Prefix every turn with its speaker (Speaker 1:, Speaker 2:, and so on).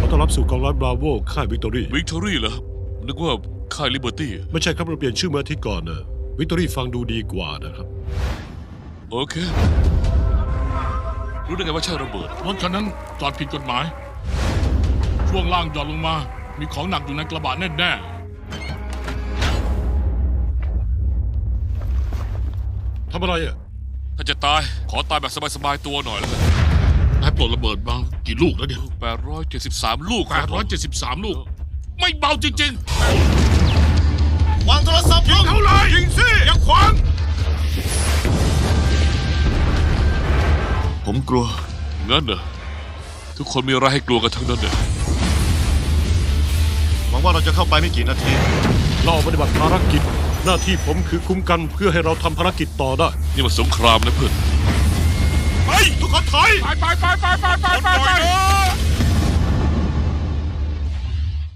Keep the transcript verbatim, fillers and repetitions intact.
Speaker 1: อต้อนรับสู่กองร้อยบราโวค่ายวิกตอรี่
Speaker 2: วิกตอรี่เหรอนึกว่าค่ายลิเบอร์ตี้
Speaker 1: ไม่ใช่ครับเราเปลี่ยนชื่อเมื่ออาทิตย์ก่อนนะวิกตอรี่ฟังดูดีกว่านะครับ
Speaker 2: โอเค รู้ได้ไงว่าใช่ระเบิด
Speaker 3: รถคันนั้นจอดผิดกฎหมาย ช่วงล่างหย่อนลงมา มีของหนักอยู่ในกระบะแน่
Speaker 1: ทำอะไรอ่ะ
Speaker 2: ถ้าจะตายขอตายแบบสบายๆตัวหน่อยแล้วกัน
Speaker 3: ๆนายปลดระเบิดมากี่ลูกแล้วเนี่ย
Speaker 2: แปดร้อยเจ็ดสิบสามลูก
Speaker 3: แปดร้อยเจ็ดสิบสามลูก ไม่เบาจริง
Speaker 4: วางโทรศัพท์ลง
Speaker 3: เอาเลยยิงสิอย่าขวาง
Speaker 2: ผมกลัวงั้นเหรอทุกคนมีอะไรให้กลัวกันทั้งนั้นเนี่ย
Speaker 4: หวังว่าเราจะเข้าไปไม่กี่นาที
Speaker 1: เราปฏิบัติภารกิจ หน้าที่ผมคือคุ้มกันเพื่อให้เราทำภารกิจต่อได้
Speaker 2: นี่มันสงครามนะเพื่อน
Speaker 4: ไป ทุกคนถอย
Speaker 3: ไปไปไปไปไปไปไป